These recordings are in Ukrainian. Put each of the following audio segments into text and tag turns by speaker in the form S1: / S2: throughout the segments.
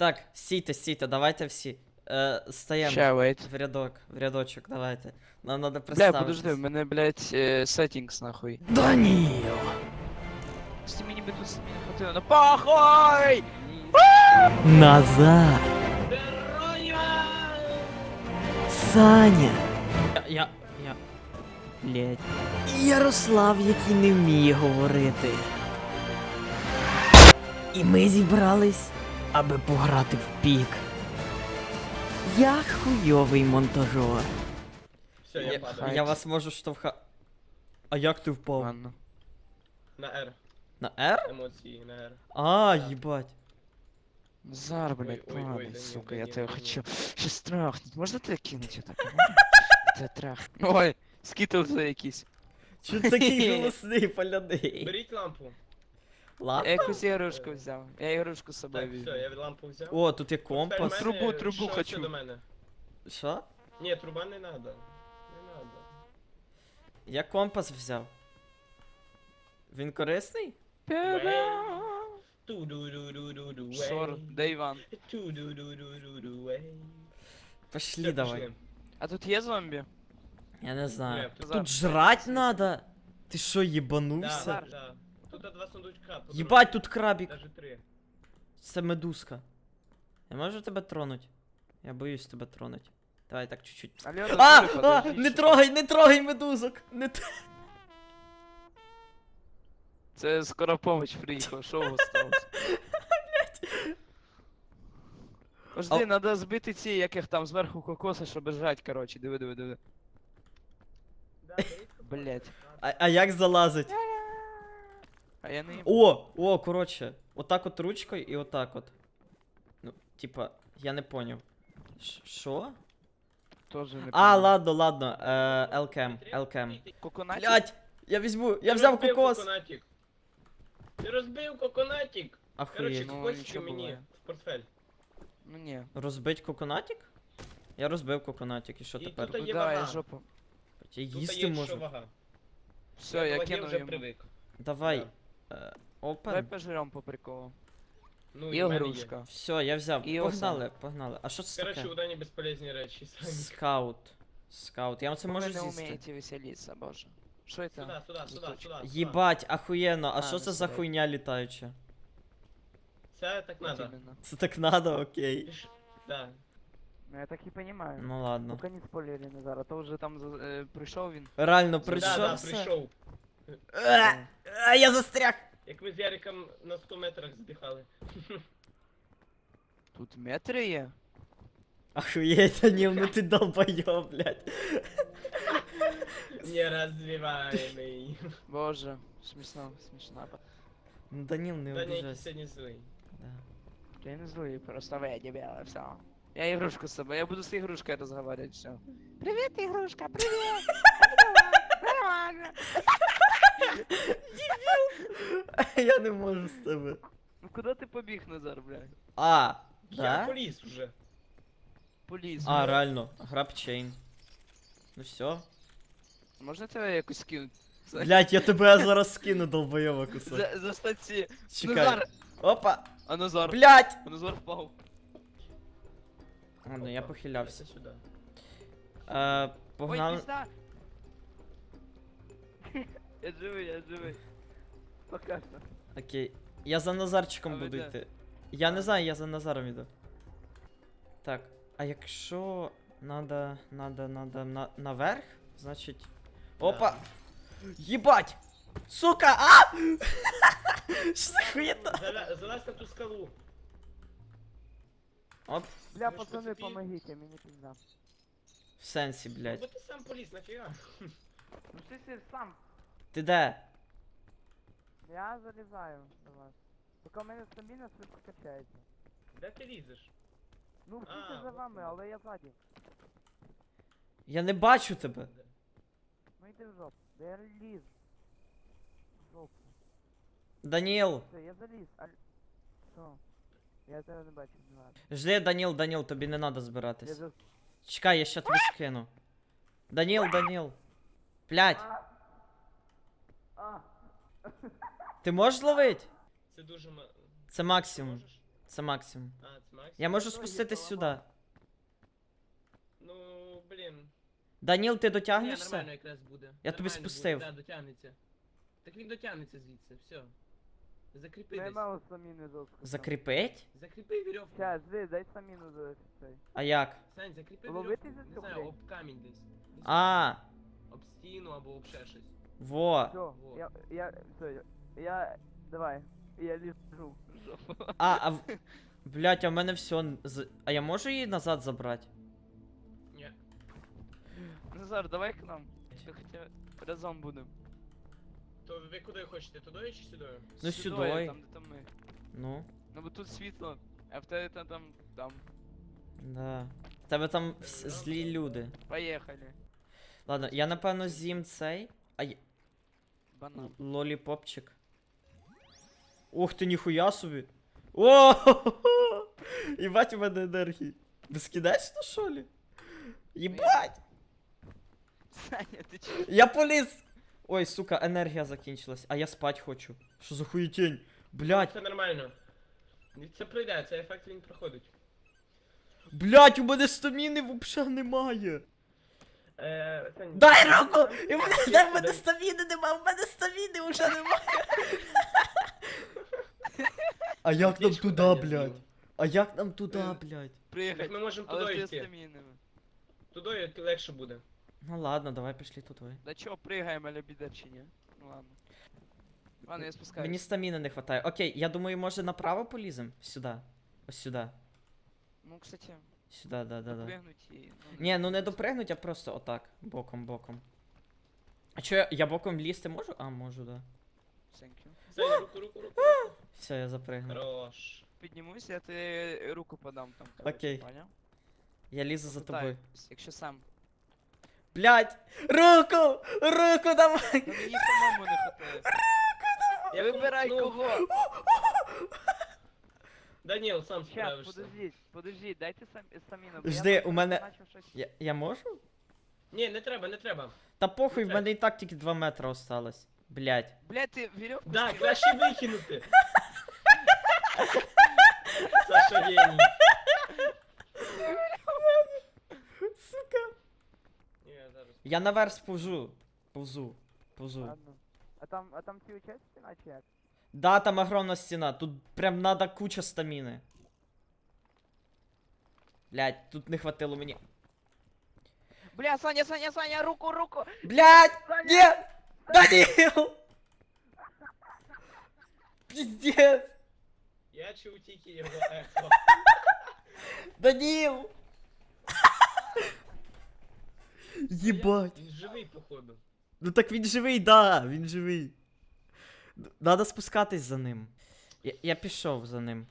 S1: Так, стійте, давайте всі. Стаємо
S2: Ща, wait.
S1: в рядочок, давайте. Нам надо
S2: Бля,
S1: представитись.
S2: подожди, в мене, блядь, settings нахуй.
S1: Даніл!
S2: Сті мені би тут самі не хватило. Ну похуй!
S1: Назар! Саня! Я... Блять. І Ярослав, який не вміє говорити. І ми зібрались, аби пограти в пік. Я хуйовий монтажер.
S3: Все, я падаю.
S1: Я вас можу А як ти впав?
S2: Ладно.
S3: На R.
S1: На R?
S3: Емоції, на R.
S1: А,
S3: Да.
S1: їбать.
S2: Назар, блядь,
S3: Ой, ой,
S2: падай,
S3: да не,
S2: сука,
S3: да
S2: я
S3: не,
S2: тебя
S3: да не.
S2: хочу сейчас трахнуть. Можно тебя кинуть вот так? Тебя трахнуть. Ой, скитлзи якісь.
S1: Чо такий голосний, поляний?
S3: Беріть лампу.
S2: Я
S1: Лампа?
S2: якусь ігрушку взяв. Я ігрушку з собою
S3: Так, все,
S2: візьму.
S3: я лампу взяв.
S1: О, тут є
S3: Тепер
S1: компас.
S3: в мене
S2: Трубу
S3: що
S2: хочу.
S3: до мене.
S1: Що?
S3: Ні, труба не надо. Не надо.
S1: Я компас взяв. Він корисний?
S3: Ту-ду-ду-ду-ду-ду,
S2: Сор,
S3: ей.
S2: де Іван?
S3: Ту-ду-ду-ду-ду-ду, ей.
S1: Пошли
S3: Все,
S1: давай.
S3: пішли.
S2: А тут є зомбі?
S1: Я не знаю.
S3: Ні,
S1: Тут жрать надо? Ти що,
S3: Да,
S1: їбанувся?
S3: да. Тут два сундучка. по
S1: Єбать,
S3: дорозі.
S1: тут крабік.
S3: Даже три.
S1: Це медузка. Я можу тебе тронуть? Я боюсь тебе тронуть. Давай так чуть-чуть.
S2: Алло,
S1: А!
S2: Додуля,
S1: А!
S2: подожди,
S1: Не
S2: що-
S1: трогай, не трогай медузок! Не т-
S2: Це скоро помощь приїхала, що у вас сталося? Подожди, надо збити ці, яких там зверху кокоси, щоб жрать, короче, диви.
S3: Да, беріть
S2: Блять.
S1: А як залазить?
S2: А я не їм.
S1: О, коротше. Отак от ручкою і отак от. Ну, типа, я не поняв. Що?
S2: Тоже не
S1: А,
S2: пам'ятаю.
S1: ладно. Елкем.
S2: Коконатик?
S1: Блять! Я візьму, я
S3: Ти
S1: взяв
S3: розбив
S1: кокос!
S3: коконатик. Ти розбив коконатик. Короче,
S1: Ахуєть.
S2: Ну,
S3: кокосики
S2: нічого
S3: мені
S2: буває.
S3: в портфель.
S2: Ну ні.
S1: Розбить коконатик? Я розбив коконатик, і що
S3: І
S1: тепер?
S3: тут
S2: Ну
S3: є
S2: да,
S3: вага.
S2: я жопу.
S1: Я
S3: Тут
S1: їсти
S3: є що
S1: можу.
S3: вага.
S2: Все,
S3: до
S2: я
S3: ваги
S2: кинув
S3: вже
S2: йому.
S3: привик.
S1: Давай.
S2: Давай
S1: Опен.
S2: пожрем по приколу.
S3: Ну,
S2: І
S3: і в мене є.
S2: ігрушка.
S1: Все, я взяв.
S2: І
S1: Погнали. А що це
S3: Короче,
S1: таке?
S3: у Дані безполезні речі. самі.
S1: Скаут. Я оце
S2: Ви
S1: можу
S2: не
S1: з'їсти.
S2: вмієте веселитися, боже. Що це?
S3: Сюда.
S1: Єбать, ахуєнно. А
S2: А,
S1: що
S2: ну
S1: це за
S2: сюди.
S1: хуйня літаюча?
S3: Це так
S2: Вот
S3: надо.
S2: именно.
S1: Це так надо, окей.
S3: Да.
S2: Ну я так і понимаю.
S1: Ну ладно.
S2: Поки не спойлери Назар, а то вже там прийшов він.
S1: Реально
S3: Да,
S1: прийшов все?
S3: прийшов.
S1: Я застряг!
S3: Як ми з Яриком на 100 метрах здихали.
S2: Тут метри є?
S1: Ахуєть, Даніл, ну ти долбойоб, блядь.
S3: Нерозвиваемый.
S2: Боже, смішно.
S1: Ну Даніл, не
S3: Даня якийсь
S1: обіжайся.
S3: сьогодні злий.
S1: Да.
S2: Я не злий, просто ви дебіли, все. Я ігрушку з собою, я буду з ігрушкою розмовляти, все. Привіт, ігрушка, привіт! Нормально.
S1: Я не можу з тебе.
S2: Ну куди ти побіг, Назар, блядь?
S1: А,
S3: Я
S1: да?
S3: поліз уже.
S2: Поліз.
S1: А, реально, грабчейн. Ну все.
S2: Можна тебе якось скинути?
S1: Блять, я тебе зараз скину, долбойоба кусок.
S2: За статті.
S1: Чекай.
S2: Назар!
S1: Опа!
S2: А Назар?
S1: Блять!
S2: А Назар впав.
S1: Ладно, я похилявся.
S3: Це сюди.
S2: Ой,
S1: Погнали.
S2: пізда! Я живий. Пока що.
S1: Окей. Я за Назарчиком
S2: А ви
S1: буду
S2: де?
S1: йти. Я не знаю, я за Назаром іду. Так, а якщо надо наверх, значить. Опа! Єбать! Сука! А! Що за хуєта?
S3: Залазь на ту скалу.
S1: Оп,
S2: Бля,
S3: Ви ж
S2: пацаны,
S3: поцепили?
S2: помогите, мені пизда.
S1: в сенсі,
S3: Ну,
S1: блядь.
S3: бо ти сам поліз, нафіга?
S2: Ну ти сам.
S1: Ти де?
S2: Я залізаю до вас. Поки в мене стаміна швидко качається.
S3: Де ти лізеш?
S2: Ну,
S3: А,
S2: всі за
S3: от
S2: вами,
S3: воно.
S2: але я ззаді.
S1: Я не бачу тебе.
S2: Ну йди в жопу. Да я ліз. В жопу.
S1: Даніл.
S2: Все, я заліз. Що? Я тебе не бачу, не ладно.
S1: Жди, Даніл, тобі не треба
S2: Я
S1: збиратись.
S2: за...
S1: Чекай, я ще тобі скину. Даніл. Блядь,
S2: А!
S1: ти можеш зловити?
S3: Це дуже
S1: Це максимум.
S3: Можеш?
S1: Це максимум.
S3: А, це Макс?
S1: Я можу
S2: Ну,
S1: спуститись
S2: її
S1: сюди.
S3: Ну, блін.
S1: Даніл, ти
S3: Ні,
S1: дотягнешся?
S3: нормально якраз буде.
S1: Я тобі
S3: Нормально
S1: спустив.
S3: Буде, да, дотягнеться. Так він дотягнеться звідси, все. Закріпи
S2: Не
S3: десь.
S2: мало саміни жорстко.
S1: Закріпить?
S3: Закріпи вірьовку.
S2: Щас, дай саміну за цей.
S1: А як?
S3: Сань, закріпи
S2: Ловити
S3: вірьовку.
S2: за
S3: Не
S2: цю
S3: знаю,
S2: хрень?
S3: об камінь десь. Десь
S1: А,
S3: об стіну або об ще щось.
S1: во.
S2: Все,
S3: Вот.
S2: я, давай, я лежу.
S1: Блять, а в мене все. А я можу її назад забрати?
S3: Ні.
S2: Назар, давай к нам. Хоча разом будемо.
S3: То ви куди хочете, туди чи сюди?
S1: Ну, сюди.
S2: Там, де там ми.
S1: Ну,
S2: Ну бо тут світло, а в тебе там.
S1: да. В тебе там злі люди.
S2: Поїхали.
S1: Ладно, я напевно з'їм цей.
S2: Банан.
S1: Лоліпопчик. Ух ти, ніхуя собі. О! Єбать у мене енергії. Безкінечно, що ли? Єбать!
S2: Саня, ти чого?
S1: Я поліз! Ой, сука, енергія закінчилась, а я спать хочу. Що за хуєтень? Блять,
S3: Все нормально. Це пройде, цей ефект він проходить.
S1: блять, у мене стаміни взагалі немає.
S3: Сань,
S1: Дай руку!
S3: Дай-
S1: В мене стаміни немає, в мене стаміни вже немає. А як нам
S3: Аптечку
S1: туди,
S3: дай, я
S1: блять?
S3: з'їм.
S1: А як нам туди, блять?
S3: Так
S2: Приїхати.
S3: ми можемо
S2: Але
S3: туди
S2: ти
S3: йти.
S2: стамінами.
S3: Туди легше буде.
S1: Ну ладно, давай пішли туди.
S2: Да чого, пригаємо, аля біда чи ні? Ну ладно. Ладно, я спускаюсь.
S1: Мені стаміни не хватає. Окей, я думаю, може направо полізем? Сюди. Ось сюди.
S2: Ну, кстати,
S1: Сюди, да.
S2: допригнуть і...
S1: Ні, ну не допригнуть, а просто отак. Боком. А чо я боком лізти можу? А, можу, да.
S2: Thank you.
S3: Сань, руку.
S1: Все, я запригнув.
S3: Хорош.
S2: Піднімусь, я ти руку подам там. коротше,
S1: Окей.
S2: Поняв?
S1: Я лізу за тобою.
S2: Попитаюсь, якщо сам.
S1: Блять! Руку! Руку давай!
S2: Ну мені самому не хватає.
S3: Я
S2: Вибирай
S3: ну,
S2: кого!
S3: Даніл, сам
S2: Щас,
S3: справишся.
S2: подождіть, дайте саміну.
S1: Жди, у мене- Я можу?
S3: Ні, не треба.
S1: Та похуй, в
S3: Ну,
S1: мене і так тільки 2 метри осталось. Блять.
S2: Блядь, ти вірьовку
S3: Да,
S2: скинув?
S3: краще викинути. Саша геній.
S1: Сука.
S3: Ні, зараз.
S1: Я наверх сповзу. Повзу.
S2: Ладно. А там ці участі наче як?
S1: Да, там огромна стіна. Тут прям надо куча стаміни. Блять, тут не хватило мені.
S2: Бля, Саня, руку!
S1: Блять!
S2: Саня!
S1: Нет! Данил! Пиздец!
S3: Я чув тільки його ехо.
S1: Данил! Єбать!
S3: Він живий, походу.
S1: Ну так він живий, да, він живий. Надо спускатись за ним. Я пішов за ним.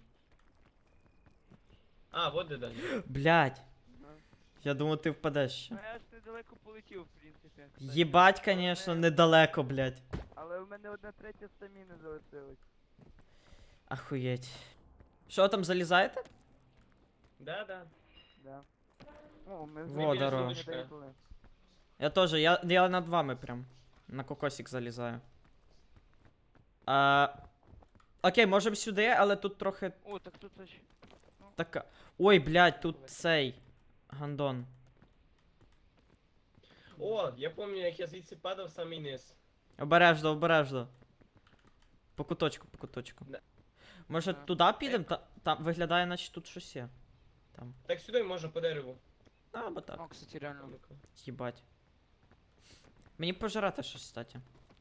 S3: А, вот де Даніл.
S1: Блять. Я думав, ти впадеш ще.
S2: Ну я ж недалеко полетів, в принципі.
S1: Єбать, конечно, недалеко, блять.
S2: Але у мене 1/3 стаміни залишилось.
S1: Ахуєть. Що там, залізаєте?
S3: Да.
S2: Да. О, ми
S1: Во,
S2: вже
S1: здорово.
S2: не доїхали.
S1: Я тоже, я над вами прям. На кокосик залізаю. Окей, можемо сюди, але тут трохи
S2: О, так тут аж...
S1: така. Ой, блядь, тут цей. Гандон.
S3: О, я пам'ятаю, як я звідси падав в самий низ.
S1: Обережно. По куточку.
S3: Да.
S1: Може
S2: Да.
S1: туди підемо? Там виглядає, наче тут щось є. Там.
S3: Так сюди можна по дереву.
S1: Або так.
S2: О, кстати, реально.
S3: Ну-ка.
S1: Їбать. Мені пожирати щось, кстати.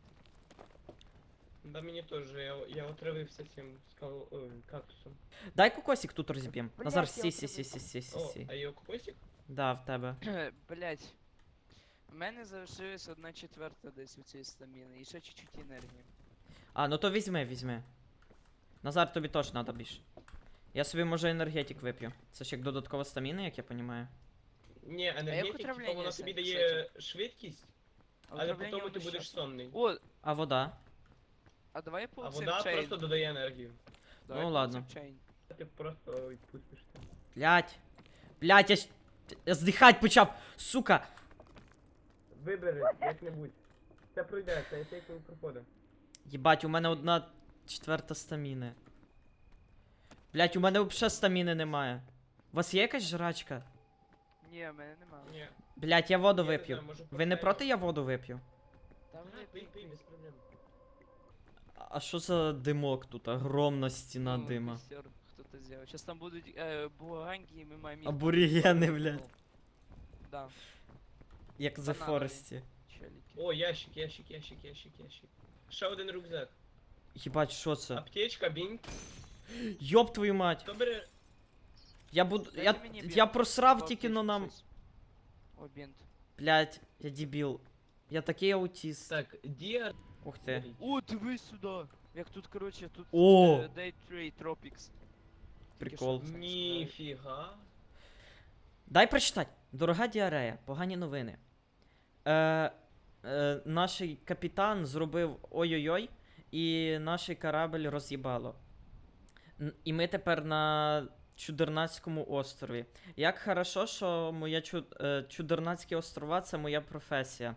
S3: Да мені теж, я отравився цим кактусом.
S1: Дай кокосик тут розіб'єм.
S2: Блядь,
S1: Назар,
S2: я
S3: О, а його кокосик?
S1: Да, в тебе.
S2: Блять. У мене залишилась 1/4 десь у цієї стаміни, і ще чуть-чуть енергії.
S1: А, ну то візьми. Назар, тобі теж треба більше. Я собі, може, енергетик вип'ю. Це ж як додаткова стаміна, як я розумію.
S3: Ні, енергетик, типу,
S2: отравлення,
S3: воно тобі
S2: Сань,
S3: дає швидкість, але
S2: Отравлення
S3: потім ти
S2: воно
S3: будеш
S2: щас-
S3: сонний.
S2: О,
S1: А вода?
S2: а давай
S3: А
S2: полцем
S3: вода
S2: чейн.
S3: просто додає енергію.
S2: Давай
S1: Ну, ладно.
S2: полцем чейн.
S3: Ти просто відпустиш там.
S1: Блять, я здихать почав, сука!
S3: Вибери, як-небудь. Це пройде, це ефект не проходить.
S1: Єбать, у мене 1/4 стаміни. Блять, у мене взагалі стаміни немає. У вас є якась жрачка?
S2: Ні, в мене немає.
S3: Ні.
S1: Блять, я воду
S3: Я не
S1: вип'ю.
S3: знаю, може,
S1: Ви не
S3: портфель?
S1: проти я воду вип'ю?
S2: Там
S3: Ага, пий, пий, без проблем.
S1: А що за димок тут? Огромна стіна
S2: Ну,
S1: дима.
S2: костер хто-то зробив. Сейчас там будуть буганьки, і ми маємо їх
S1: Аборігени,
S2: побити.
S1: блядь.
S2: Да,
S1: Як за
S2: Бананові.
S1: Форесті.
S2: челіки.
S3: О, ящик, ящик, ящик, ящик, ящик. Ще один рюкзак.
S1: Їбать, що це?
S3: Аптечка, бінт.
S1: Йоп твою мать.
S3: Хто бере?
S1: Я буду.
S2: Дайте
S1: Я,
S2: мені
S1: я
S2: бінт,
S1: просрав
S2: або
S1: тільки,
S2: аптечку,
S1: но нам.
S2: щось. О, бінт.
S1: Блять, я дебіл. Я такий аутіст.
S3: Так, Діар.
S1: Ух ти.
S2: О, дивись сюди. Як тут, короче, тут
S1: О!
S2: Day Trade Tropics.
S1: Прикол.
S3: Ніфіга.
S1: Дай прочитати. Дорога діарея, погані новини. Наш капітан зробив ой-ой-ой, і наш корабль роз'їбало. І ми тепер на Чудернацькому острові. Як хорошо, що моя Чудернацькі острова це моя професія.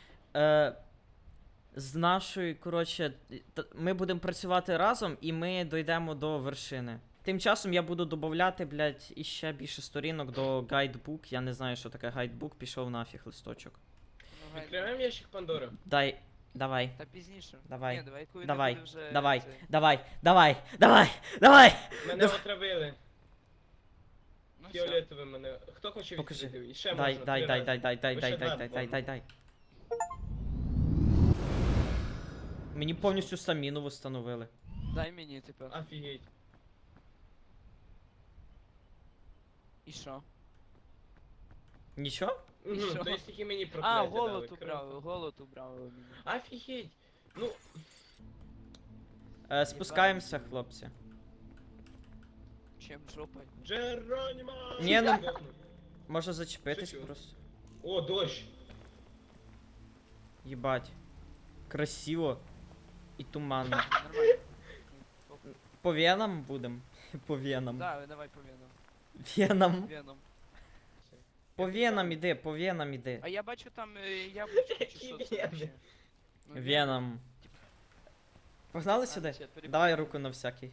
S1: З нашою, коротше, ми будемо працювати разом і ми дійдемо до вершини. Тим часом я буду додавати, блядь, іще більше сторінок до гайдбук. Я не знаю, що таке гайдбук, пішов нафіг листочок.
S2: Ну,
S3: Відкриваємо ящик Пандори.
S1: Давай.
S2: Та пізніше.
S1: Давай.
S2: Ні, давай, коли
S1: Давай,
S2: не буде вже
S1: давай,
S2: цей.
S1: давай!
S3: Мене отравили.
S2: Ну, все.
S3: Фіолетовим мене. Хто хоче
S1: Покажи.
S3: відкрити? І ще
S1: Дай,
S3: можна,
S1: дай,
S3: три
S1: дай,
S3: рази.
S1: дай, дай, дай,
S3: Ви
S1: дай,
S3: ще
S1: дай,
S3: два
S1: дай, дай, дай,
S3: можна.
S1: дай. Мені повністю стаміну встановили.
S2: Дай мені тепер.
S3: Офігеть.
S2: І що?
S1: Нічого?
S3: Угу,
S2: що?
S3: то есть тільки мені прокляття
S2: А,
S3: дали,
S2: голод
S3: круто.
S2: убрали, голод убрали у мене.
S3: Офігеть. Ну,
S1: Спускаємося, хлопці.
S2: Чим жопой?
S3: Джеронімо!
S1: Ні, ну-
S3: Здохну.
S1: Може зачепитись
S3: Шучу.
S1: просто.
S3: О, дощ.
S1: Єбать. Красиво. І туманно.
S2: Нормально.
S1: По венам будем? По венам.
S2: Да, давай по венам.
S1: Венам.
S2: Веном.
S1: По венам іди, по венам іди.
S2: А я бачу там яблучко чи що це
S3: Які
S2: вообще? Ну,
S1: Веном. Погнали
S2: А,
S1: сюди?
S2: ще перебігаю.
S1: Давай руку на всякий.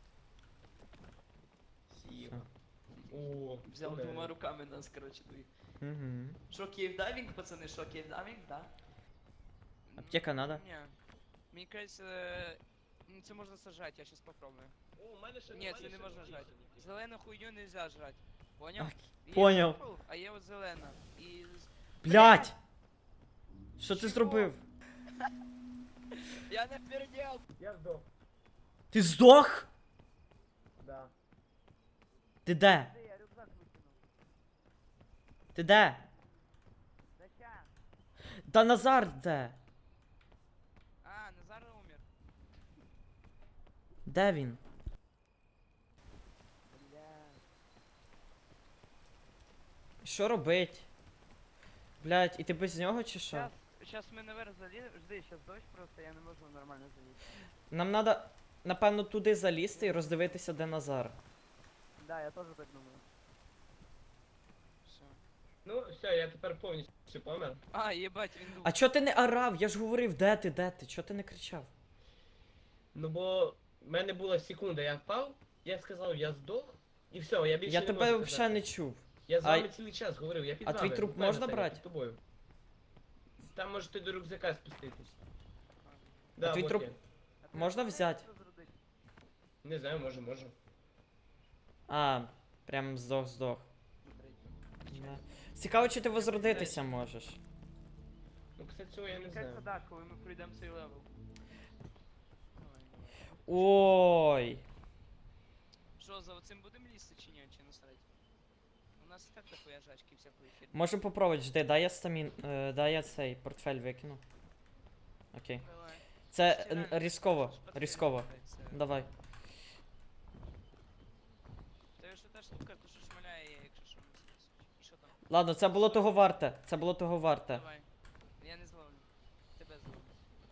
S3: Сіла. О,
S2: Взял
S3: не.
S2: двома руками нас, короче, двоих.
S1: Угу.
S2: Шо, кейвдайвинг, пацаны, шо, кейвдайвинг, да?
S1: Аптека надо?
S2: Не. Мені кажется, це можна сажати, я щас попробую.
S3: О, у мене ще
S2: Ні,
S3: немає
S2: це не
S3: ще
S2: можна
S3: написано.
S2: жрати. Зелену хуйню нельзя жрати. Поняв?
S1: Ак,
S2: Є
S1: поняв.
S2: purple, а є от зелена. І...
S1: Блять! Що ти
S2: Чого?
S1: зробив?
S2: Я не пердел!
S3: Я здох.
S1: Ти здох?
S3: Да.
S1: Ти де?
S2: Я рюкзак викинув.
S1: Ти де?
S2: Да ща.
S1: Та Назар де?
S2: А, Назар умер.
S1: Де він?
S2: Бля.
S1: Що робить? Блять, і ти без нього чи що?
S2: Сейчас мы наверх залезем. Жди, сейчас дождь просто, я не можу нормально залізти.
S1: Нам треба, напевно, туди залізти і роздивитися, де Назар.
S2: Да, я теж так думаю. Все.
S3: Ну, все, я тепер повністю помер.
S2: А, єбать, він був.
S1: А чо ти не орав? Я ж говорив, де ти, де ти? Чо ти не кричав?
S3: Ну бо в мене була секунда, я впав, я сказав, я здох, і все, я більше
S1: Я
S3: не
S1: тебе
S3: можу
S1: взагалі не
S3: казати.
S1: чув.
S3: Я з
S1: А-
S3: вами цілий час говорив, я під
S1: А
S3: вами.
S1: твій труп
S3: буквально
S1: можна
S3: стояв
S1: брати?
S3: під тобою. Там можете до рюкзака спуститись. Да,
S1: твій
S3: вот
S1: труп-
S3: я.
S1: Можна взяти?
S3: Не знаю, можу.
S1: А, прям здох. Да. Цікаво, чи ти возродитися можеш.
S3: Ну, кстати, цього я не знаю.
S2: так, коли ми пройдемо цей левел.
S1: Ой.
S2: Що, за оцим будемо лізти чи ні, чи насрать? У нас і так такої жачки всякої херні.
S1: Можу попробувати, жди, дай я дай я цей портфель викину. Окей.
S2: Давай.
S1: Це
S2: Стиральний,
S1: різково,
S2: це ж портфель
S1: різково.
S2: називається.
S1: Давай.
S2: Це ж та штука, то що шмаляє, якщо що не знесуть. І що там?
S1: Ладно, це було того варте. Це було того варте.
S2: Давай. Я не зловлю. Тебе зловлю.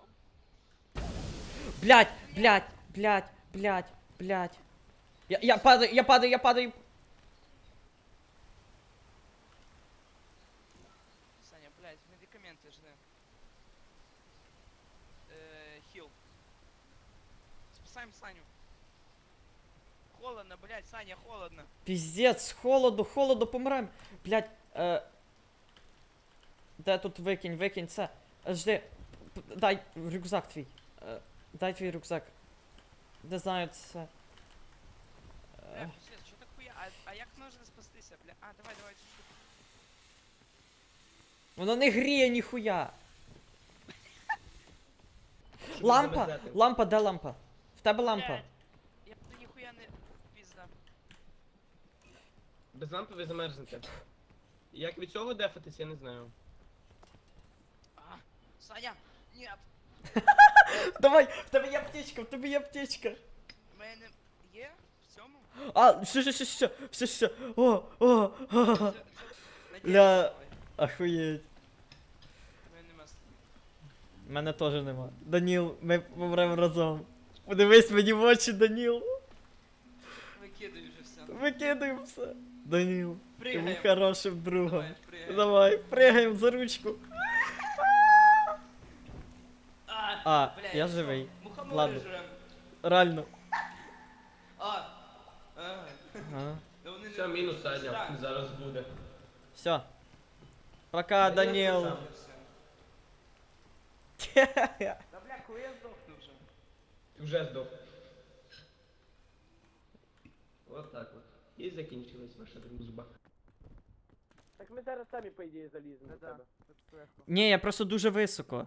S1: Блять. Я падаю.
S2: Саня, блядь, медикаменти жди. Хіл. Спасаємо Саню. холодно, блядь, Саня, холодно.
S1: Піздець, холоду, помираємо. Блядь, де тут викинь це. Жди, дай рюкзак твій. Дай твій рюкзак. Не знаю, це.
S2: Бля, пиздец, що так хуя? А як можна спастися, бля? А, давай, цю штуку.
S1: Воно не гріє ніхуя.
S3: Щоб
S1: Лампа!
S3: замерзати.
S1: Лампа, де лампа? В тебе лампа.
S2: Блядь, я тут ніхуя не... Пізда.
S3: Без лампи ви замерзнете. Як від цього дефатись, я не знаю.
S2: А, Саня, нет.
S1: Давай, в тебе є аптечка,
S2: У мене є в цьому?
S1: А, все. О.
S2: Надіюсь,
S1: Бля.
S2: давай.
S1: Охуєть.
S2: У мене нема.
S1: Мене теж нема. Даніл, ми помремо разом. Подивись мені в очі, Даніл.
S2: Викидаю вже все.
S1: Викидаємо все. Даніл, ти був
S2: Пригаємо.
S1: хорошим другом.
S2: Давай, пригаємо.
S1: Давай, пригаємо за ручку. А,
S2: бля,
S1: я
S2: що?
S1: живий.
S2: Мухомори
S1: Ладно.
S2: жрем.
S1: Реально.
S2: А,
S1: Ага.
S2: да вони
S3: Все, мінус Саня, зараз буде.
S1: Все. Пока, Даніл.
S2: Да бля, коли я здохну вже.
S3: Ти вже здох. Вот так от. І закінчилась ваша дружба. Так ми зараз самі, по ідеї, заліземо до тебе.
S1: Ні, я просто дуже високо.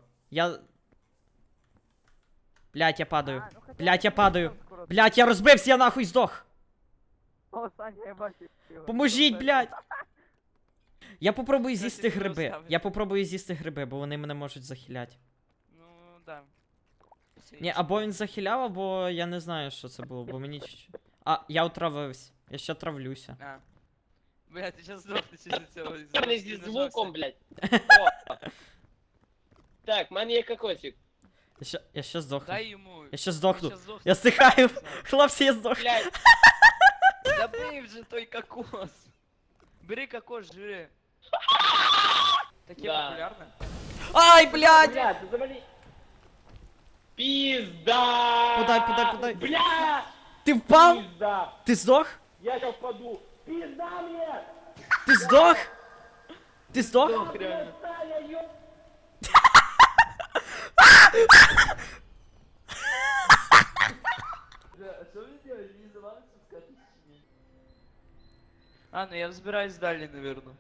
S1: Блять, я падаю. Блять, я падаю. Блять, я розбився, я нахуй здох.
S2: О, Саня, я бачу.
S1: Поможіть, блять. Я попробую
S2: Кстати,
S1: з'їсти
S2: ти
S1: гриби.
S2: розставиш.
S1: Я попробую з'їсти гриби, бо вони мене можуть захиляти.
S2: Ну, да.
S1: Ні, або він захиляв, або я не знаю, що це було, бо мені чуть-чуть. А, я отравився. Я ще травлюся.
S2: А. Бля, ти сейчас здохнеш із-за цього.
S4: Не зі звуком, блядь. О. Так, в мене є кокосик.
S1: Я ще здохну.
S2: Дай йому.
S1: Я ще здохну.
S2: Щас здохне.
S1: Я стихаю. Хлопці, я здох.
S4: Блядь,
S2: Забий вже той кокос. Бери кокос, жри. Таке
S4: Да.
S2: популярне.
S1: Ай, блядь!
S4: блядь, ти завали. Пизда!
S1: Подай.
S4: Бля!
S1: Ти впав?
S4: Пизда!
S1: Ти здох?
S4: Я сейчас впаду. Пизда мне!
S1: Ти здох? Ти здох?
S2: Здох, реально.
S4: Саня, ё...
S2: А що ви делаете? Не завалится скатить чи ні? А, ну я взбираюсь далі, наверное.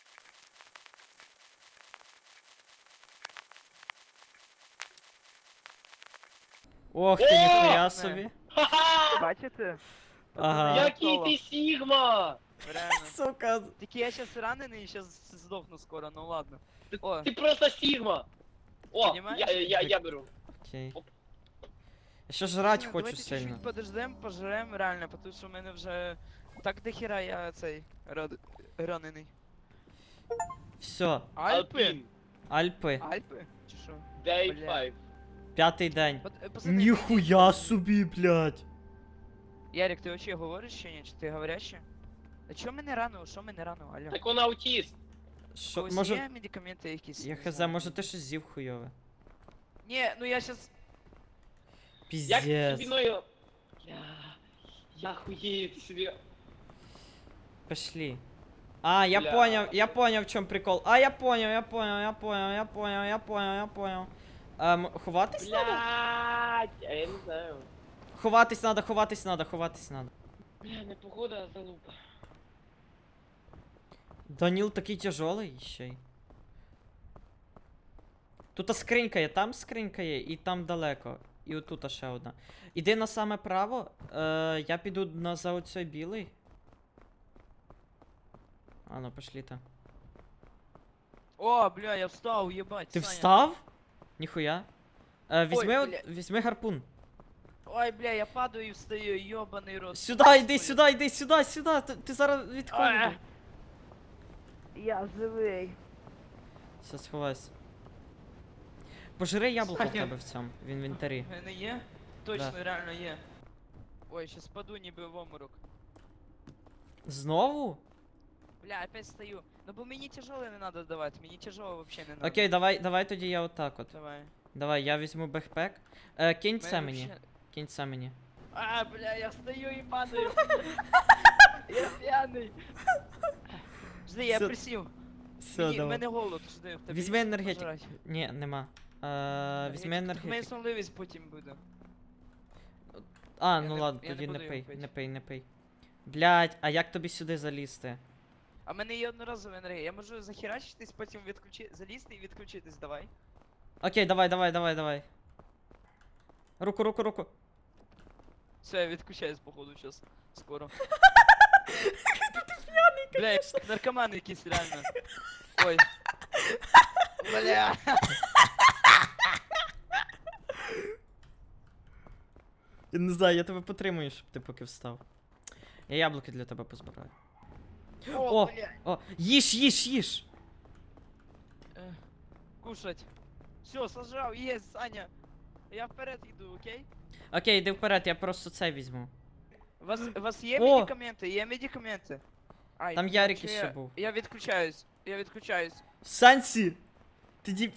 S1: Ох ти, ніхуя собі.
S4: Ха-ха!
S2: Бачите?
S1: Ага.
S4: Який ти Сігма!
S2: Реально.
S1: Сука.
S2: Тільки я сейчас ранений і сейчас здохну скоро, ну ладно. О,
S4: Ти просто Сігма! О,
S2: Понімаєш?
S4: я беру.
S1: Окей. Я ще жрать
S2: ну,
S1: хочу
S2: давайте
S1: сильно.
S2: чуть-чуть подождем, пожрем реально, потому що в мене вже так дохера я цей ранений.
S1: Все,
S2: Альпи?
S1: Альпи.
S2: Альпи? Чи що?
S4: Day
S2: Бля.
S4: 5.
S1: 5-й день.
S2: Пацани,
S1: Ніхуя собі, блядь.
S2: Ярик, ти вообще говориш чи ні? Чи ти говорящий? А чо мене рано? Що мене рано? Алло.
S4: Так вона аутіст.
S1: Що,
S2: Ось
S1: може.
S2: є медикаменти якісь?
S1: Я
S2: Не
S1: хз,
S2: знаю.
S1: може ти щось з'їв хуйове.
S2: Ні, ну я щас...
S4: Як ти
S1: Піздец.
S4: собі ною... Я хуєю, ти собі...
S1: Пошли. А, я
S4: Бля.
S1: понял, в чем прикол. А, я понял. Ховатись надо?
S4: Блядь, а я не знаю.
S1: Ховатись надо.
S4: Бля, не погода, а залупа.
S1: Даніл такий тяжелий ще й. Тут скринька є, там скринька є, і там далеко. І отут ще одна. Іди на саме право, я піду за оцей білий. А ну, пошли та.
S2: О, бля, я встав, єбать,
S1: Ти
S2: Саня.
S1: встав? Ніхуя. Візьми,
S2: бля.
S1: візьми гарпун.
S2: Ой, бля, я падаю і встаю, йобаний рот.
S1: Сюда, йди сюди. Ти зараз від холоду.
S2: А. Я живий.
S1: Все, сховайся. Пожри яблуко в
S2: Саня.
S1: тебе в цьому, в інвентарі.
S2: У мене є? Точно, реально є. Ой, щас паду ніби в оморок.
S1: Знову?
S2: Бля, опять стою. Ну бо мені тяжело не надо давати, мені тяжело вообще не надо.
S1: Окей, давай тоді я отак от.
S2: Давай.
S1: Давай, я візьму бекпек. Кинь це
S2: Мене
S1: мені.
S2: вообще-
S1: Кинь це мені.
S2: А, бля, я стою и падаю. Я пьяный. Жди, я
S1: Всё.
S2: присів.
S1: Все,
S2: Мені, в
S1: давай.
S2: мене голод, жди, в тебе
S1: Візьми
S2: є
S1: енергетик.
S2: пожрать?
S1: Ні, нема. Візьми
S2: Так в мене
S1: енергетик.
S2: сонливість потім буде.
S1: А,
S2: я
S1: ну
S2: не-
S1: ладно,
S2: я не
S1: тоді не
S2: буду його
S1: пий,
S2: пить.
S1: не пий, не пий. Блядь, а як тобі сюди залізти?
S2: А в мене є одноразова енергія. Я можу захерачитись, потім залізти і відключитись, давай.
S1: Окей, давай. Руку, руку, руку.
S2: Все, я відключаюсь, походу, сейчас. Скоро. Бля, я как наркоман якийсь, реально. Ой. Бля.
S1: Я не знаю, я тебе потримую, щоб ти поки встав. Я яблуки для тебе позбираю. О!
S2: Бля.
S1: О, їж!
S2: Кушать. Все, сажав, есть, Саня. Я вперед йду, окей?
S1: Окей, йди вперед, я просто це візьму.
S2: У вас є
S1: О!
S2: медикаменти? Є медикаменти? Ай,
S1: Там
S2: ну,
S1: Ярик
S2: що
S1: іще був.
S2: Я відключаюсь. Я відключаюсь.
S1: Сансі! Ти діп...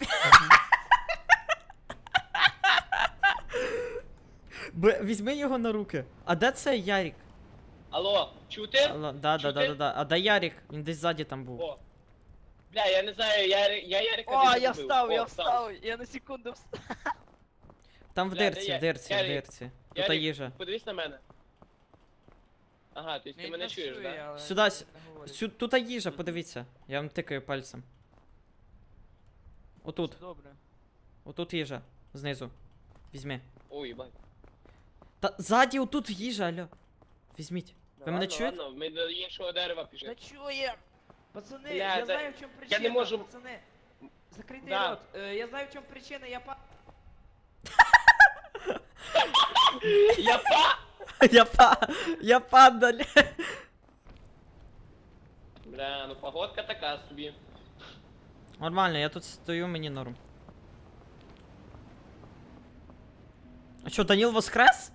S1: Візьми його на руки. А де це Ярик?
S4: Алло, чути?
S1: Да. А де Ярик? Він десь ззаді там був.
S4: О. Бля, я не знаю, я Ярика
S2: О,
S4: десь
S2: я
S4: забив.
S2: встав,
S4: О,
S2: я встав. Я на секунду встав.
S1: Там в
S4: Бля, де
S1: дирці,
S4: я-
S1: в дирці, в
S4: Ярик?
S1: дирці. Тут
S4: Ярик,
S1: їжа.
S4: подивись на мене. Ага, то есть ти мене чуєш, да?
S1: Сюди, тут їжа, подивіться. Я вам тикаю пальцем. Отут,
S2: Добре.
S1: отут їжа. Знизу. Візьми.
S4: Ой, їбать.
S1: Та ззаді отут їжа, алло. Візьміть. Ви мене чуєте?
S4: Ладно, ми до іншого дерева
S2: Да
S4: пішли.
S2: чує? Пацани,
S4: Бля,
S2: я
S4: да-
S2: знаю, в чому причина.
S4: не можу-
S2: Пацани, закритий
S4: Да.
S2: рот. Я знаю, в чому причина,
S4: Я па!
S1: Я падаль.
S4: Бля, ну погодка така собі.
S1: Нормально, я тут стою, мені норм. А що, Даніл воскрес?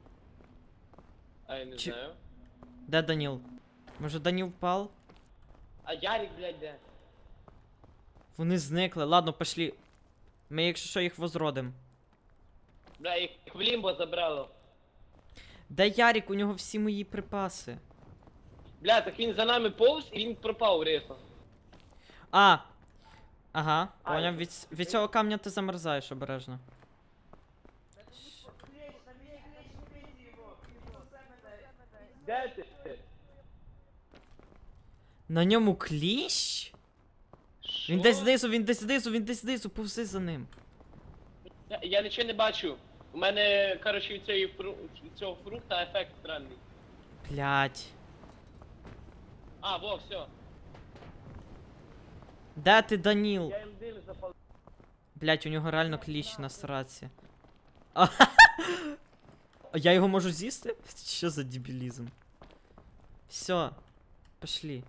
S4: А я не
S1: Чи-
S4: знаю.
S1: Де Даніл? Може Даніл впав?
S4: А Ярик, блядь, де?
S1: Вони зникли. Ладно, пошлі. Ми, якщо що, їх возродим.
S4: Бля, їх в лімбо забрало.
S1: Де Ярик? У нього всі мої припаси.
S4: Бля, так він за нами повз і він пропав рисо.
S1: А! Ага,
S4: А,
S1: поняв.
S4: я-
S1: Від цього камня ти замерзаєш обережно.
S4: Де ти?
S1: На ньому кліщ? Він
S4: Що?
S1: десь знизу, повзи за ним.
S4: Я нічого не бачу. У мене, коротше, від від цього фрукта ефект странний.
S1: Блять.
S4: А, во, все.
S1: Де ти, Даніл?
S4: Я їм дим запалив.
S1: Блять, у нього реально кліщ на сраці. А я його можу з'їсти? Що за дебілізм? Все, пошли.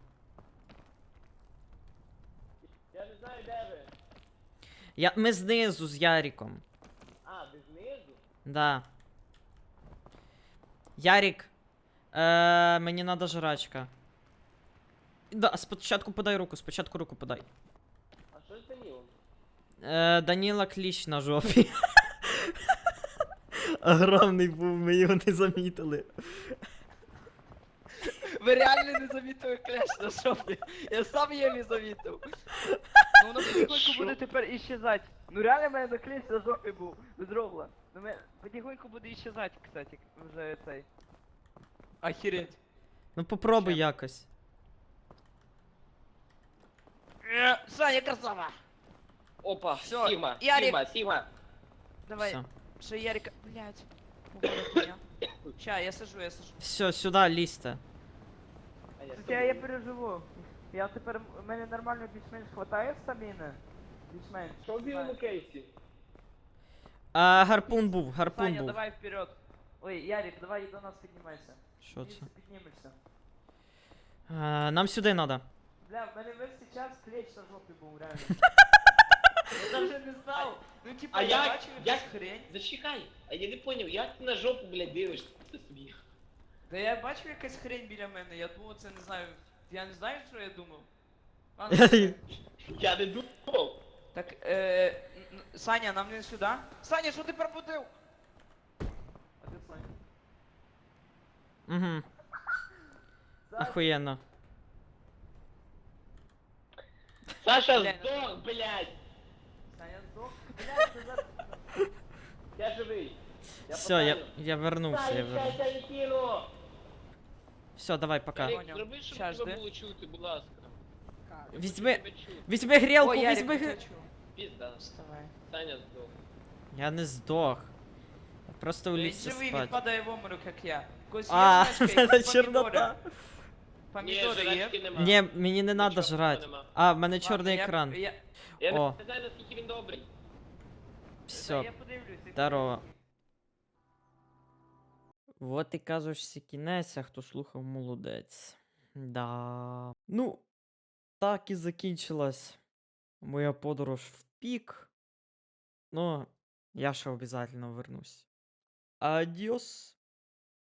S4: Я не знаю, де ви.
S1: Ми знизу з Яриком.
S4: А, ви знизу?
S1: Да. Ярик, мені надо жрачка. Да, спочатку подай руку, спочатку руку подай.
S4: А що з Данілом?
S1: Даніла кліщ на жопі. Огромний був, ми його не замітили.
S2: Ви реально не замітили кляш на шопі. Я сам її не замітив. Ну воно потихоньку
S4: Що?
S2: буде тепер іщезати. Ну реально в мене на кліщ на жопі був. Без рогла. Ну потихоньку буде іщезати, кстати, вже цей. Охереть.
S1: Ну попробуй
S2: Ща.
S1: якось.
S2: Саня, красава!
S4: Опа,
S2: Всё,
S4: Сігма,
S2: Ярик.
S4: Сігма, Сігма.
S2: Давай,
S1: Все.
S2: ще Ярика, блядь. Хуя. Ща, я сажу.
S1: Все, сюди лізьте.
S4: А я з
S2: Я
S4: тобою.
S2: переживу. Я тепер, в мене нормально більш-менш хватає стаміни. Більш-менш.
S4: Що в білому кейсі?
S1: Гарпун був.
S2: Саня, давай вперед. Ой, Ярик, давай до нас піднімайся.
S1: Що це?
S2: Піднімешся.
S1: Нам сюди надо.
S2: Бля, в мене весь цей час клещ на жопі був, реально. Я даже не знав. Ну типа,
S4: А
S2: я
S4: як-
S2: бачив
S4: як-
S2: якусь хрень.
S4: Зачекай, а я не поняв, як ти на жопу, блядь, дивишся собі?
S2: Та я бачив якась хрень біля мене, я думав, це не знаю. Я не знаю, що я думав. Ладно,
S4: Я не думав.
S2: так, Саня, нам не сюди. Саня, що ти пробудив? А де Саня?
S1: Угу. Охуєнно.
S4: Саша
S2: Бля, ну-
S4: здох, блядь!
S2: Саня здох. Блядь, ти за...
S4: Я живий.
S1: Все, я вернувся, я
S4: Саня,
S1: вернувся.
S4: я не кину!
S1: Все, давай, пока.
S4: Ярик,
S2: Понял.
S4: зроби, щоб
S2: Щас,
S4: тебе
S2: жди.
S4: було чути, будь ласка. Я
S1: Візьми-
S4: хочу тебе чути.
S1: Візьми грілку,
S2: О, Ярик,
S1: візьми
S2: не
S1: грілку.
S2: хочу.
S4: Пізда.
S2: Вставай.
S4: Саня здох.
S1: Я не здох. Я просто
S2: Він
S1: улігся
S2: живий, він
S1: спати.
S2: падає в обморок, як я. Когось є
S1: А,
S2: жрачка,
S1: це
S2: якісь
S1: чорнота.
S2: Помідори
S4: Ні,
S2: є?
S4: жрачки нема.
S1: Ні, мені не треба
S4: Нічого
S1: жрати.
S4: нема.
S1: А, в мене
S2: Ладно,
S1: чорний
S2: я-
S1: екран.
S4: Я
S1: О.
S4: не знаю, наскільки він добрий.
S2: Та
S1: Все,
S2: я подивлюсь. я
S1: здорово.
S2: подивлюсь.
S1: Вот і кажешся кінець, а хто слухав, молодець. Да. Ну, так і закінчилась моя подорож в пік. Ну, я ще обов'язково вернусь. Адіос.